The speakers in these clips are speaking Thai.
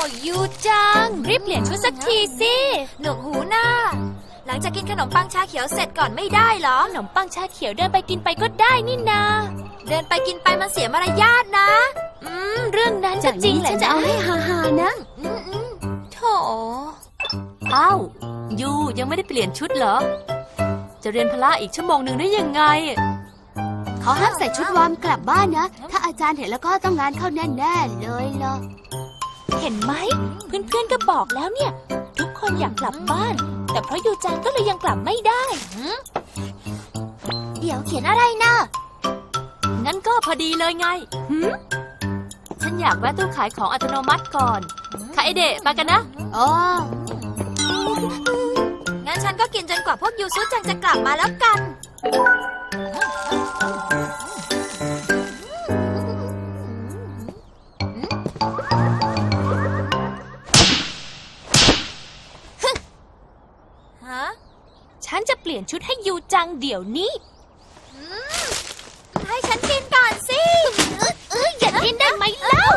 ยูจังรีบเปลี่ยนชุดสักทีสิหนวกหูหน้าหลังจากกินขนมปังชาเขียวเสร็จก่อนไม่ได้เหรอขนมปังชาเขียวเดินไปกินไปก็ได้นี่นาเดินไปกินไปมันเสียมารยาทนะเรื่องนั้นก็จริงแหละฉันจะเอาให้ฮาๆนะโถอ้าวยูยังไม่ได้เปลี่ยนชุดเหรอจะเรียนพละอีกชั่วโมงหนึ่งได้ยังไงเขาห้ามใส่ชุดวอร์มกลับบ้านนะถ้าอาจารย์เห็นแล้วก็ต้องงานเข้าแน่ๆเลยล่ะเห็นไหมเพื่อนๆก็บอกแล้วเนี่ยทุกคนอยากกลับบ้านแต่เพราะยูจังก็เลยยังกลับไม่ได้เดี๋ยวเขียนอะไรนะงั้นก็พอดีเลยไงฉันอยากแวะตู้ขายของอัตโนมัติก่อนค่ะไอเดะมากันนะอ๋องั้นฉันก็กินจนกว่าพวกยูซุจังจะกลับมาแล้วกันฉันจะเปลี่ยนชุดให้ยูจังเดี๋ยวนี้ให้ฉันกินก่อนสิอย่ากินได้ไหมเล่า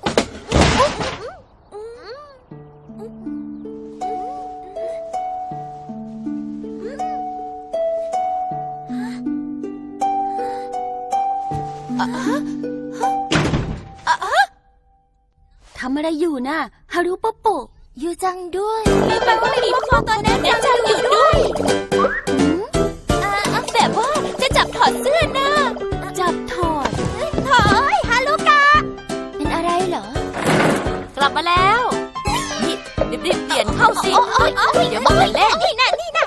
ทำอะไรอยู่น่ะฮารุโปโปยูจังด้วยนี่แปลว่าไม่มีพ่อตอนแน่จังอยู่ด้วยแบบว่าจะจับถอดเสื้อนะจับถอดถอยฮารุกะเป็นอะไรเหรอกลับมาแล้วนี่รีบเปลี่ยนเข้าสิเดี๋ยวมันเล่นนี่นะ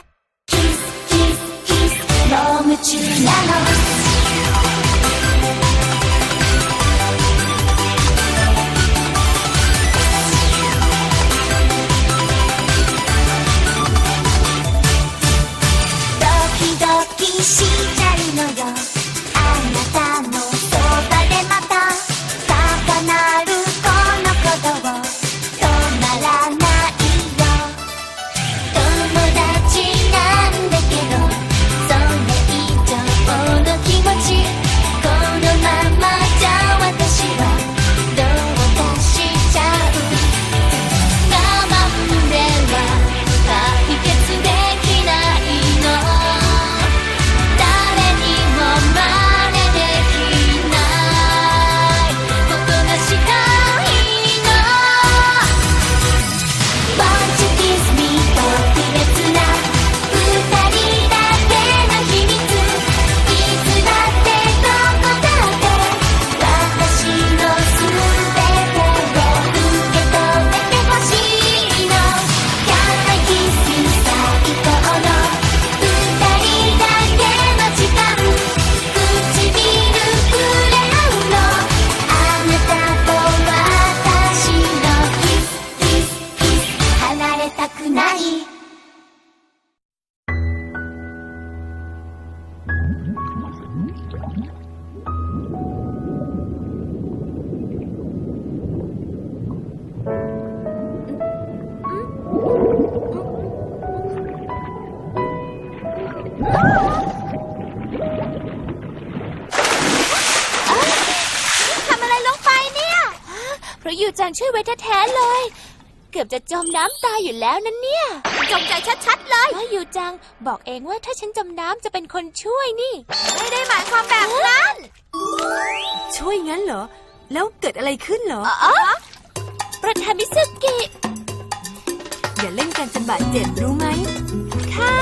เพราะยูจังช่วยไว้แท้ๆเลยเกือบจะจมน้ำตายอยู่แล้วนั่นเนี่ยจงใจชัดๆเลยว่ายูจังบอกเองว่าถ้าฉันจมน้ำจะเป็นคนช่วยนี่ไม่ได้หมายความแบบนั้นช่วยงั้นเหรอแล้วเกิดอะไรขึ้นเหรอประธานมิซึกิอย่าเล่นกันจนบาดเจ็บรู้ไหมค่ะ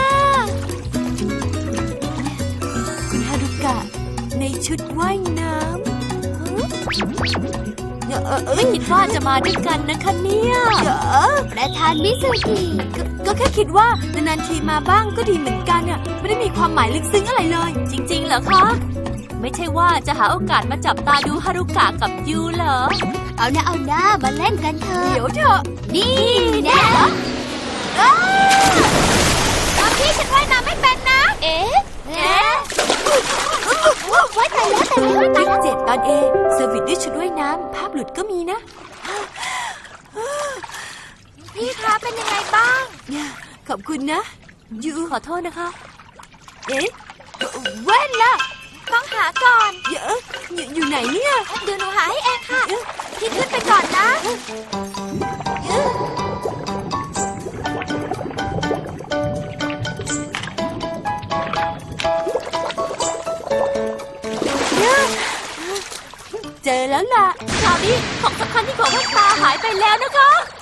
คุณฮารุกะในชุดว่ายน้ำไม่คิดว่าจะมาด้วยกันนะคะเนี่ยประธานมิซึกิก็แค่คิดว่านานๆทีมาบ้างก็ดีเหมือนกันอ่ะไม่ได้มีความหมายลึกซึ้งอะไรเลยจริงๆเหรอคะไม่ใช่ว่าจะหาโอกาสมาจับตาดูฮารุกะกับยูเหรอเอาหน้ามาเล่นกันเถอะเดี๋ยวเถอะนี่แน่ตอนที่ฉันว่ายน้ำไม่เป็นนะเอ๊ะไว้ตายแล้วติ๊ก7 ตอน A เซอร์วิสด้วยชุดว่ายน้ำภาพหลุดก็มีนะพี่คะเป็นยังไงบ้างขอบคุณนะยูขอโทษนะคะเอ๊ะแว่นล่ะต้องหาก่อนอยู่ไหนเนี่ยเดี๋ยวหนูหาให้เองค่ะพี่ขึ้นไปก่อนนะเจอแล้วล่ะคราวนี้ของสำคัญที่ของแว่นตาหายไปแล้วนะคะ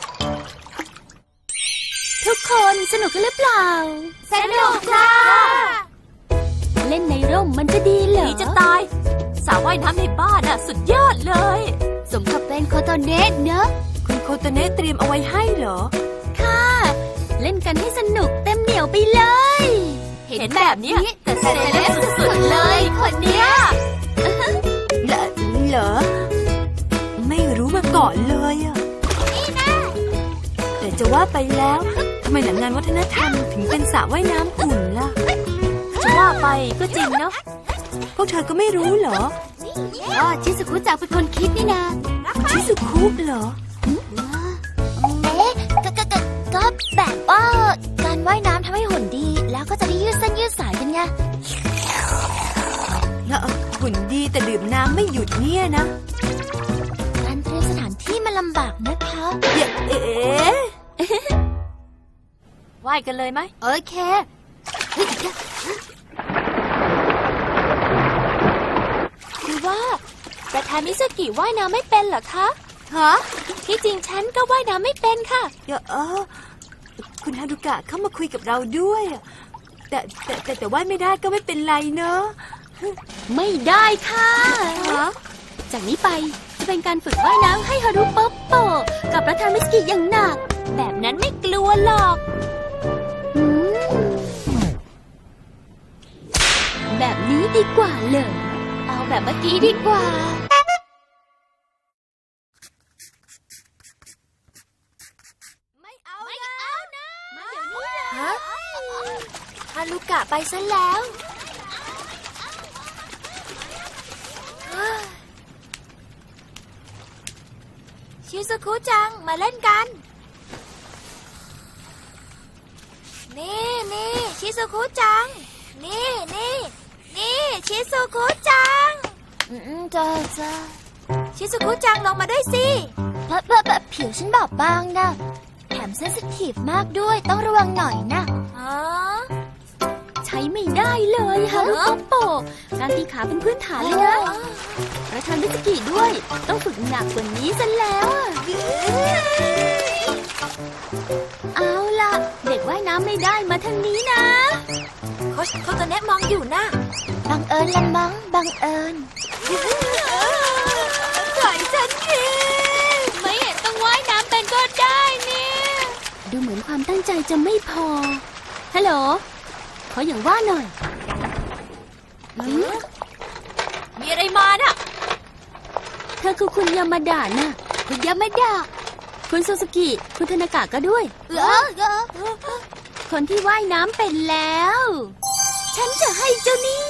ทุกคนสนุกกันหรือเปล่าสนุกค่ะเล่นในร่มมันจะดีเหรอดีจะตายสระว่ายน้ำในบ้านน่ะสุดยอดเลยสมกับเป็นโคโตเนะเนอะคุณโคโตเนะเตรียมเอาไว้ให้เหรอค่ะ เล่นกันให้สนุกเต็มเหนียวไปเลยเห็นแบบเนี้ยแต่เซเลบสุดๆเลยคนเนี้ยเหรอ ไม่รู้มาก่อนเลยอะแต่จะว่าไปแล้วทำไมหนังงานวัฒนธรรมถึงเป็นสระว่ายน้ำอุ่นล่ะจะว่าไปก็จริงเนาะพวกเธอก็ไม่รู้เหรอก็ชิซุคุจังเป็นคนคิดนี่นาชิซุคุเหรอเอ๊ะก็แบบว่าการว่ายน้ำทำให้หุ่นดี แล้วก็จะได้ยืดเส้นยืดสายกันไงแล้วหุ่นดีแต่ดื่มน้ำไม่หยุดเนี่ยนะการเตรียมสถานที่มันลำบากนะคะเอ๊ะว่ายกันเลยไหมโอเคคือว่าประธานมิสกิว่ายน้ำไม่เป็นเหรอคะฮะที่จริงฉันก็ว่ายน้ำไม่เป็นค่ะคุณฮารุกะเข้ามาคุยกับเราด้วยอะแต่ว่าไม่ได้ก็ไม่เป็นไรเนอะไม่ได้ค่ะฮะจากนี้ไปจะเป็นการฝึกว่ายน้ำให้ฮารุโปโปกับประธานมิสกิอย่างหนักแบบนั้นไม่กลัวหรอกอืมแบบนี้ดีกว่าเลยเอาแบบเมื่อกี้ดีกว่าไม่เอาไม่เอานะฮะฮารุกะไปซะแล้วชิซุคุจังมาเล่นกัน นี่ชิซุคุจัง นี่ชิซุคุจังจ้าชิซุคุจังลงมาด้วยสิแบบผิวฉันบอบบางนะแถมเซนซิทีฟมากด้วยต้องระวังหน่อยนะอ๋อใช้ไม่ได้เลยฮารุโปโปการตีขาเป็นพื้นฐานเลยนะประธานมิสกิด้วย ต้องฝึกหนักกว่านี้ซะแล้วอะเอาล่ะ เด็กว่ายน้ำไม่ได้มาทางนี้นะโค้ชโคโตเนะมองอยู่นะบังเอิญละมั้งบังเอิญปล่อยฉันทีไม่เห็นต้องว่ายน้ำเป็นก็ได้เนี่ย ดูเหมือนความตั้งใจจะไม่พอ ฮัลโหล ขออย่างว่าหน่อยมีอะไรมาน่ะเธอคือคุณยามาดาน่ะ คุณยามาดา คุณซูซูกิ คุณธนากะก็ด้วย คนที่ว่ายน้ำเป็นแล้ว ฉันจะให้เจ้านี่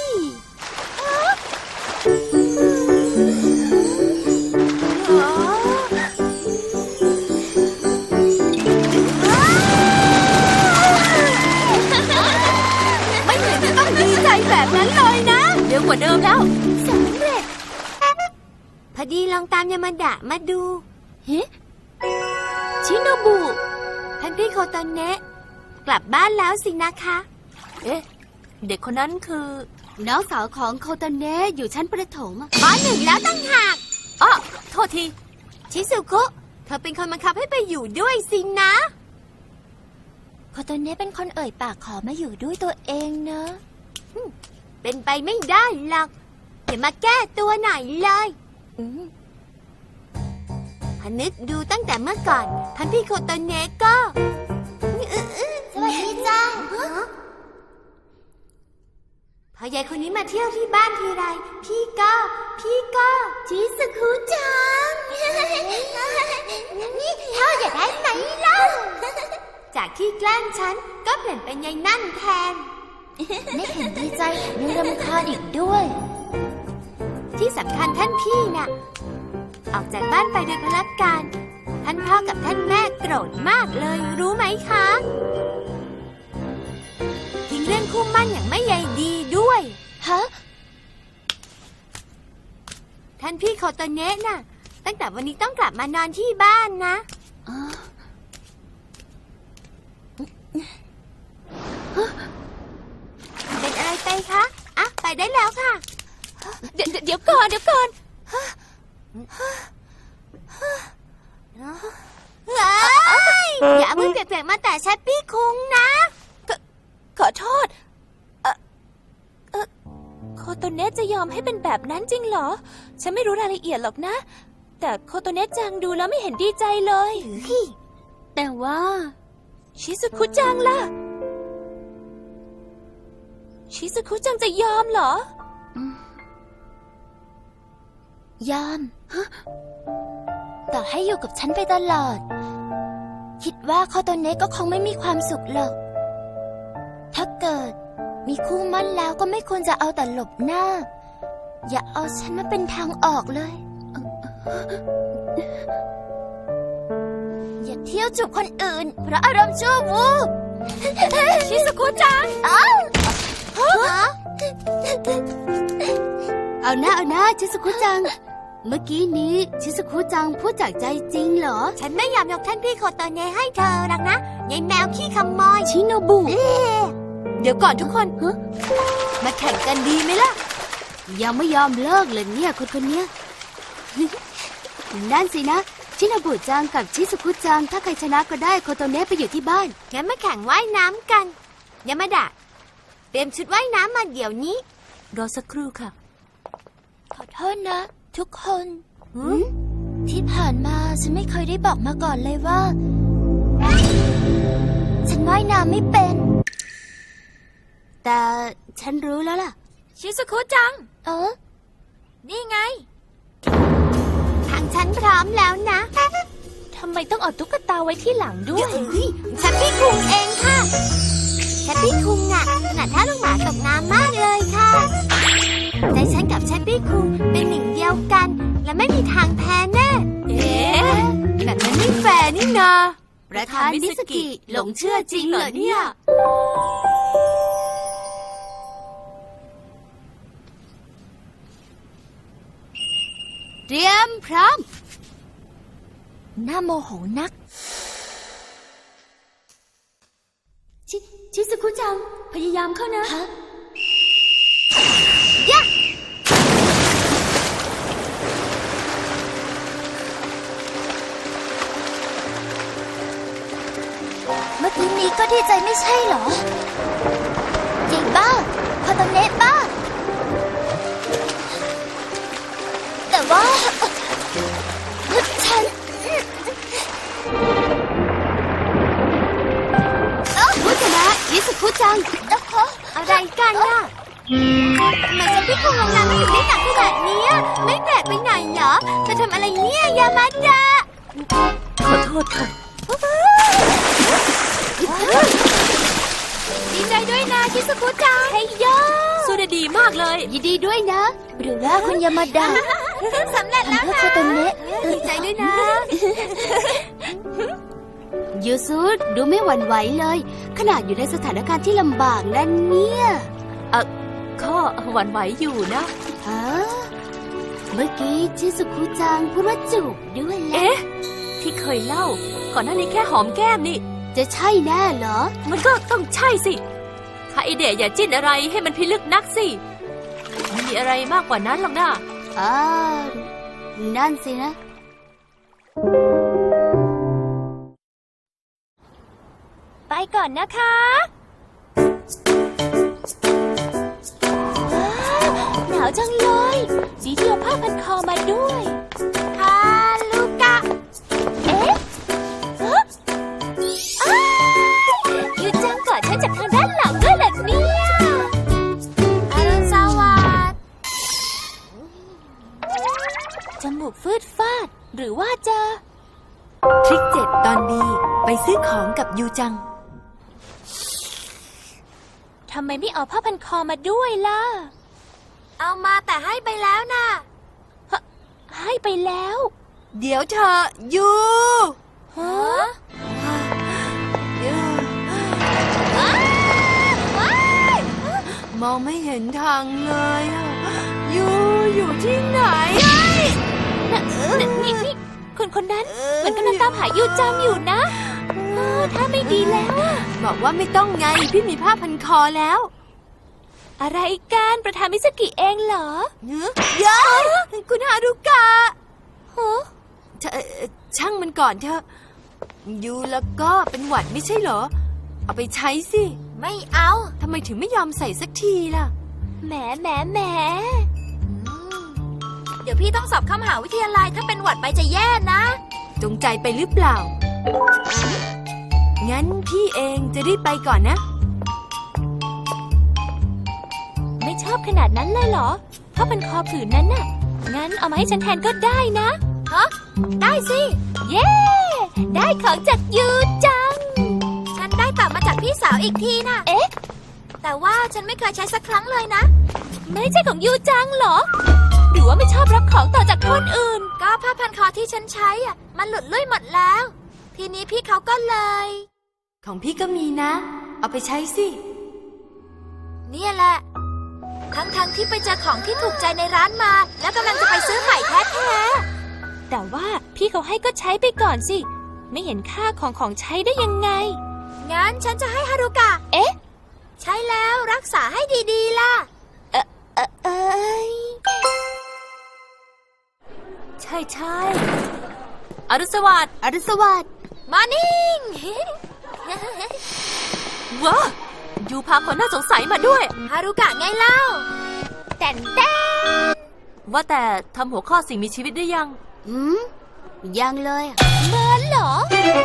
ไม่เห็นจะต้องดีใจแบบนั้นเลยนะเร็วกว่าเดิมแล้วสำเร็จพอดีลองตามยามาดะมาดูเฮ้ชิโนบุท่านพี่โคโตเนะกลับบ้านแล้วสินะคะเอ๊ะ เด็กคนนั้นคือน้องสาวของโคโตเนะอยู่ชั้นประถมอะป .1 แล้วตั้งหากอ้อโทษทีชิซุกุเธอเป็นคนบังคับให้ไปอยู่ด้วยสินะโคโตเนะเป็นคนเอ่ยปากขอมาอยู่ด้วยตัวเองเนอะเป็นไปไม่ได้หรอกอย่ามาแก้ตัวหน่อยเลยพนึกดูตั้งแต่เมื่อก่อนท่านพี่โคโตเนะก็สวัสดีจ้าพอยายคนนี้มาเที่ยวที่บ้านทีไรพี่ก็ชิซุคุจังนี่เธออยากได้ไหมเล่าจากที่แกล้งฉันก็เปลี่ยนเป็นยายนั่นแทนไม่เห็นดีใจยังรำคาญอีกด้วย ที่สำคัญท่านพี่น่ะออกจากบ้านไปโดยพลัดการท่านพ่อกับท่านแม่โกรธมากเลยรู้ไหมคะทิ้งเรื่องคู่มั่นอย่างไม่ใยดีด้วยฮะท่านพี่โคโตเนะน่ะตั้งแต่วันนี้ต้องกลับมานอนที่บ้านนะเป็นอะไรไปคะอ่ะไปได้แล้วค่ะเดี๋ยวก่อนอย่าเอามือเปียกๆมาแต่แชปปี้คุงนะขอโทษโคโตเนะจะยอมให้เป็นแบบนั้นจริงเหรอ ฉันไม่รู้รายละเอียดหรอกนะ แต่โคโตเนะจังดูแล้วไม่เห็นดีใจเลยแต่ว่าชิซุคุจังล่ะ ชิซุคุจังจะยอมเหรอยอมต่อให้อยู่กับฉันไปตลอด คิดว่าคอโตเนะก็คงไม่มีความสุขหรอก ถ้าเกิดมีคู่มั่นแล้วก็ไม่ควรจะเอาแต่หลบหน้า อย่าเอาฉันมาเป็นทางออกเลย อย่าเที่ยวจูบคนอื่น เพราะอารมณ์ชั่ววูบชิซุคุจังเอาหน้าชิซุคุจัง เมื่อกี้นี้ชิซุคุจังพูดจากใจจริงเหรอฉันไม่ยอมยกท่านพี่โคโตเนะให้เธอหรอกนะยายแมวขี้ขโมยชิโนบุเดี๋ยวก่อนทุกคนมาแข่งกันดีไหมล่ะยังไม่ยอมเลิกเลยเนี่ยคนเนี้ย นั่นสินะ ชิโนบุจังกับชิซุคุจัง ถ้าใครชนะก็ได้โคโตเนะไปอยู่ที่บ้านงั้นมาแข่งว่ายน้ำกันยามาดะเตรียมชุดว่ายน้ำมาเดี๋ยวนี้รอสักครู่ค่ะขอโทษนะ ทุกคนที่ผ่านมาฉันไม่เคยได้บอกมาก่อนเลยว่า ฉันว่ายน้ำไม่เป็น แต่ฉันรู้แล้วล่ะชิซุคุจังนี่ไง ทางฉันพร้อมแล้วนะทำไมต้องเอาตุ๊กตาไว้ที่หลังด้วยแชปปี้คุงเองค่ะแชปปี้คุงน่ะถนัดท่าลูกหมาตกน้ำมากเลยค่ะใจฉันกับแชปปี้คุงเป็นหนึ่งเดียวกัน และไม่มีทางแพ้แน่เอ๊ะแบบนั้นไม่แฟร์นี่นาประธานมิสกิหลงเชื่อจริงเหรอเนี่ยเตรียมพร้อม หน้าโมโหนัก ชิซุคุจัง พยายามเข้านะเมื่อกี้นี้ก็ดีใจไม่ใช่เหรอจริงบ้าคาตาเนะบ้า แต่ว่าฉันผู้ชนะชิซุคุจังอะไรกันน่ะทำไมแชปปี้คุงลงน้ำไม่ถึงได้หนักขนาดนี้อะไม่แปลกไปไหนเหรอเธอทำอะไรเนี่ยยามาดะขอโทษค่ะดีใจด้วยนะชิซุคุจังเฮ้ยโยสู้ได้ดีมากเลยยินดีด้วยนะ หรือว่าคุณยามาดะสำเร็จแล้วเพื่อนะคาตาเนะดีใจด้วยนะยูซุดูไม่หวั่นไหวเลย ขนาดอยู่ในสถานการณ์ที่ลำบากนั่นเนี่ยข้อหวั่นไหวอยู่นะฮะเมื่อกี้ชิซุคุจังพูดว่าจูบด้วยแหละเอ๊ะ ที่เคยเล่า ก่อนหน้านี้แค่หอมแก้มนี่จะใช่แน่เหรอมันก็ต้องใช่สิถ้าไอเดียอย่าจิ้นอะไรให้มันพิลึกนักสิมันมีอะไรมากกว่านั้นหรอกนะนั่นสินะไปก่อนนะคะ หนาวจังเลยดีที่เอาผ้าพันคอมาด้วยฮาลูกะเอ๊ะยูจังกอดฉันจากทางด้านหลังด้วยเหรอเนี่ยอรุณสวัสดิ์จมูกฟืดฟาด หรือว่าจะทริค7 ตอนดีไปซื้อของกับยูจังทำไมไม่เอาผ้าพันคอมาด้วยล่ะเอามาแต่ให้ไปแล้วนะให้ไปแล้วเดี๋ยวเธอยูฮะมองไม่เห็นทางเลยอะยูอยู่ที่ไหนนี่คนนั้นเหมือนกำลังตามหายูจังอยู่นะถ้าไม่ดีแล้วอะบอกว่าไม่ต้องไงพี่มีผ้าพันคอแล้วอะไรกันประธานมิสกิเองเหรอเยอะคุณฮารุกะก่อนเถอะยูแล้วก็เป็นหวัดไม่ใช่เหรอเอาไปใช้สิไม่เอาทำไมถึงไม่ยอมใส่สักทีล่ะแหมเดี๋ยวพี่ต้องสอบเข้ามหาวิทยาลัยถ้าเป็นหวัดไปจะแย่นะจงใจไปหรือเปล่า งั้นพี่เองจะรีบไปก่อนนะไม่ชอบขนาดนั้นเลยเหรอถ้าเป็นคอผืนนั้นน่ะ งั้นเอามาให้ฉันแทนก็ได้นะได้สิเย้ ได้ของจากยูจังฉันได้กลับมาจากพี่สาวอีกทีน่ะ แต่ว่าฉันไม่เคยใช้สักครั้งเลยนะไม่ใช่ของยูจังเหรอ หรือว่าไม่ชอบรับของต่อจากคนอื่นก็ผ้าพันคอที่ฉันใช้อ่ะ มันหลุดลุ่ยหมดแล้ว ทีนี้พี่เขาก็เลยของพี่ก็มีนะ เอาไปใช้สิเนี่ยแหละ ทั้งที่ไปเจอของที่ถูกใจในร้านมา แล้วกำลังจะไปซื้อใหม่แท้แต่ว่าพี่เขาให้ก็ใช้ไปก่อนสิ ไม่เห็นค่าของใช้ได้ยังไงๆงั้นฉันจะให้ฮารุกะเอ๊ะใช้แล้วรักษาให้ดีๆล่ะเอ้ยใช่อรุณสวัสดิ์อรุณสวัสดิ์มานิ่งว้ายูพาคนน่าสงสัยมาด้วยฮารุกะไงเล่าแต่นว่าแต่ทำหัวข้อสิ่งมีชีวิตได้ยังยังเลยอะเหรอ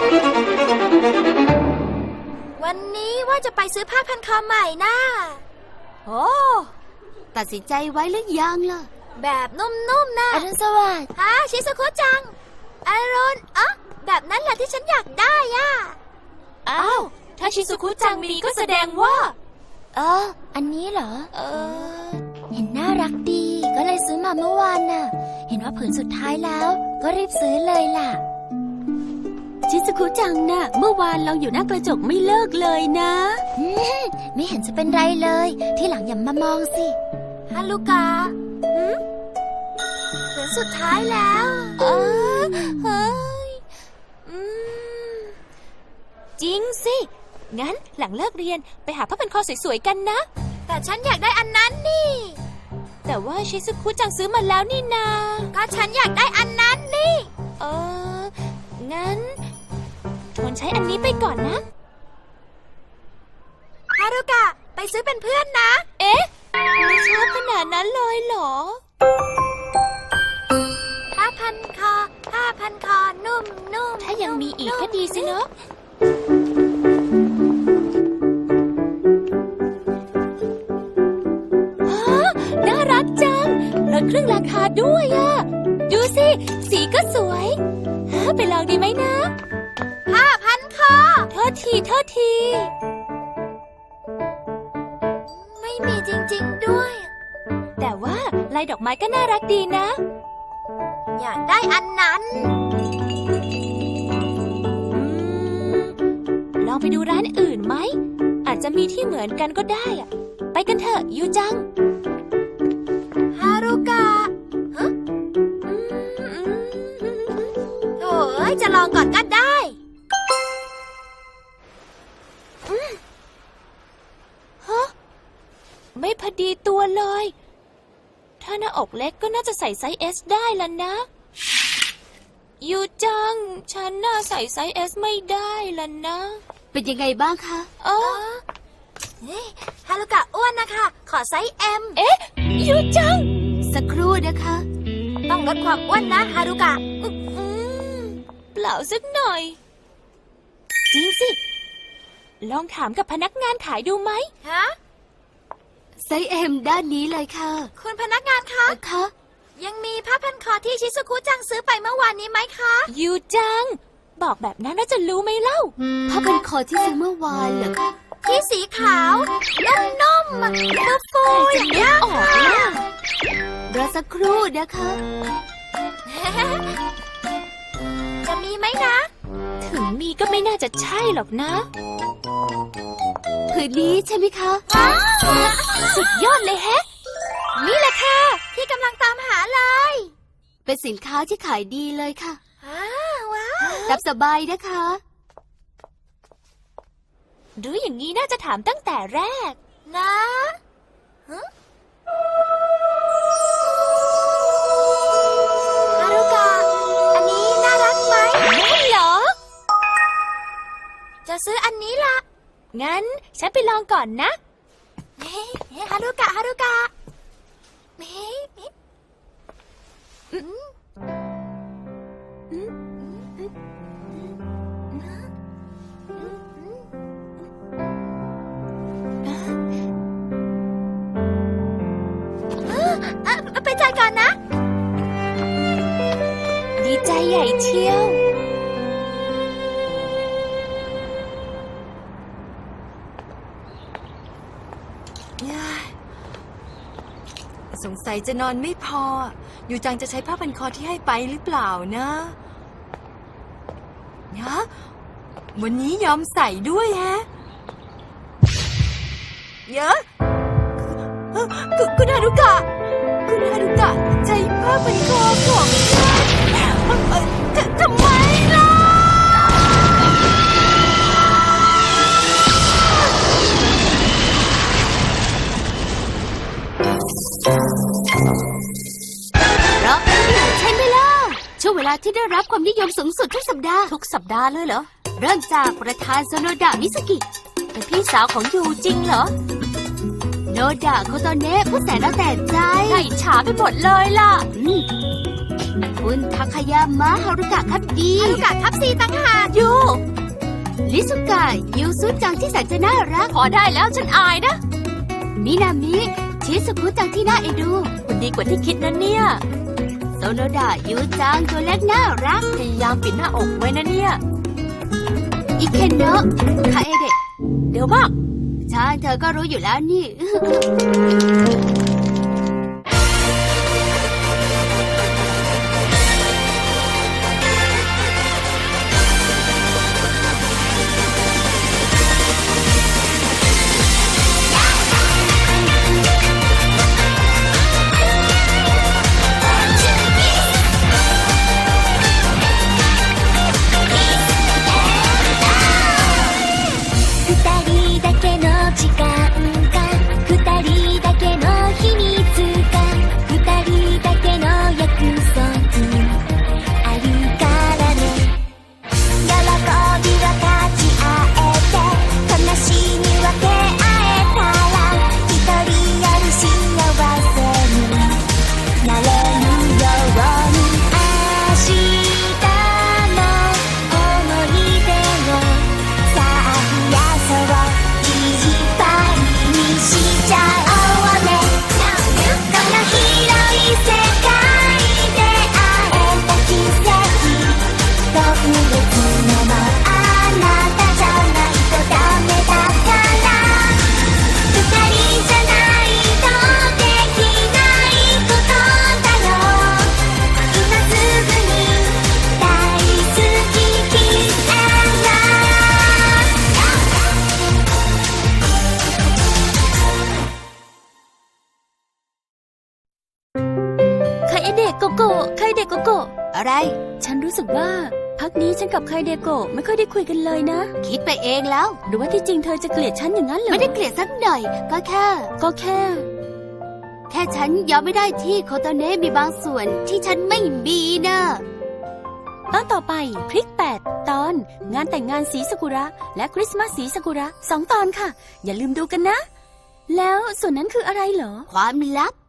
วันนี้ว่าจะไปซื้อผ้าพันคอใหม่นะโอ้ตัดสินใจไว้หรือยังล่ะแบบนุ่มๆนะอรุณสวัสดิ์ฮะชิซุคุจังอรุณแบบนั้นแหละที่ฉันอยากได้อ่ะอ้าว ถ้าชิซุคุจังมีก็แสดงว่าอันนี้เหรอ เห็นน่ารักดี ก็เลยซื้อมาเมื่อวานน่ะ เห็นว่าผืนสุดท้ายแล้ว ก็รีบซื้อเลยล่ะชิซุคุจังน่ะ เมื่อวานเราอยู่หน้ากระจกไม่เลิกเลยนะไม่เห็นจะเป็นไรเลย ที่หลังอย่ามามองสิฮารุกะผืนสุดท้ายแล้วเฮ้ยจริงสิ งั้นหลังเลิกเรียนไปหาผ้าพันคอสวยๆกันนะแต่ฉันอยากได้อันนั้นนี่แต่ว่าชิซุคุจังซื้อมาแล้วนี่นาก็ฉันอยากได้อันนั้นนี่งั้นทนใช้อันนี้ไปก่อนนะฮารุกะไปซื้อเป็นเพื่อนนะเอ๊ะ ไม่ชอบขนาดนั้นเลยเหรอผ้าพันคอนุ่มๆถ้ายังมีอีกก็ดีสิเนอะน่ารักจังลดครึ่งราคาด้วยอ่ะ ดูสิ สีก็สวยไปลองดีไหมนะผ้าพันคอโทษทีไม่มีจริงๆด้วยแต่ว่าลายดอกไม้ก็น่ารักดีนะอยากได้อันนั้นลองไปดูร้านอื่นไหม อาจจะมีที่เหมือนกันก็ได้อะไปกันเถอะยูจังฮารุกะโถ่เอ้ยจะลองก่อนก็ได้ไม่พอดีตัวเลย ถ้าหน้าอกเล็กก็น่าจะใส่ไซส์ S ได้แล้วนะ ยูจัง ฉันน่าใส่ไซส์ S ไม่ได้แล้วนะเป็นยังไงบ้างคะฮารุกะอ้วนนะคะ ขอไซส์ M ยูจังสักครู่นะคะต้องลดความอ้วนนะฮารุกะเปล่าสักหน่อย จริงสิ ลองถามกับพนักงานขายดูไหมฮะไซส์ M ด้านนี้เลยค่ะคุณพนักงานคะนะคะยังมีผ้าพันคอที่ชิซุคุจังซื้อไปเมื่อวานนี้ไหมคะยูจัง บอกแบบนั้นแล้วจะรู้ไหมเล่าผ้าพันคอที่ซื้อเมื่อวานเหรอคะที่สีขาว นุ่มๆฟูๆอย่างนี้ออกเลยอะรอสักครู่นะคะจะมีไหมนะถึงมีก็ไม่น่าจะใช่หรอกนะผืนนี้ใช่ไหมคะสุดยอดเลยแฮะนี่แหละค่ะ ที่กำลังตามหาเลยเป็นสินค้าที่ขายดีเลยค่ะว้าวรับสบายนะคะรู้อย่างนี้น่าจะถามตั้งแต่แรกนะ ฮารุกะ อันนี้น่ารักไหมน่างั้นฉันไปลองก่อนนะฮารุกะ ฮารุกะ ไปจ่ายก่อนนะดีใจใหญ่เชียวสงสัยจะนอนไม่พอ อยู่จังจะใช้ผ้าพันคอที่ให้ไปหรือเปล่านะวันนี้ยอมใส่ด้วยฮะเยอะคุณฮารุกะ คุณฮารุกะใช้ผ้าพันคอของฉันทำไมล่ะเราเป็นผู้ใช่ไหมล่ะ ช่วงเวลาที่ได้รับความนิยมสูงสุดทุกสัปดาห์ทุกสัปดาห์เลยเหรอเริ่มจากประธานโซโนดะมิสกิเป็นพี่สาวของยูจริงเหรอโนดะโคโตเนะผู้แสนเอาแต่ใจน่าอิจฉาไปหมดเลยล่ะคุณทาคายามะฮารุกะครับดีฮารุกะทับซีตั้งหากยูลิซุกะยูซุจังที่แสนจะน่ารักพอได้แล้วฉันอายนะมินามิชิสุคุจังที่น่าเอ็นดูคุณดีกว่าที่คิดนะเนี่ยโซโนดะยูจังตัวเล็กน่ารักพยายามปิดหน้าอกไว้นะเนี่ยอิเคนโนะคาเอเดะเดี๋ยวบ้างใช่เธอก็รู้อยู่แล้วนี่二人だけの時間が二人だけの秘密が二人だけの約束あるからね喜び分かち合えて悲しみ分け合えたら一人より幸せになれるように明日の思い出をさあ増やそういっぱいにしちゃおうねこの広い世界で会えた奇跡特別なのあなたじゃないとダメだから二人じゃないとできないことだよ今すぐに大好きキスไคเดะโกโกะไคเดะโกโกะอะไรฉันรู้สึกว่าพักนี้ฉันกับไคเดโกะไม่ค่อยได้คุยกันเลยนะคิดไปเองแล้วหรือว่าที่จริงเธอจะเกลียดฉันอย่างนั้นเหรอไม่ได้เกลียดสักหน่อย ก็แค่ก็แค่ฉันยอมไม่ได้ที่โคโตเนะมีบางส่วนที่ฉันไม่มีนะตอนต่อไปพริก 8 ตอน งานแต่งงานสีซากุระและคริสต์มาสสีซากุระ2 ตอนค่ะ อย่าลืมดูกันนะ แล้วส่วนนั้นคืออะไรเหรอความลับ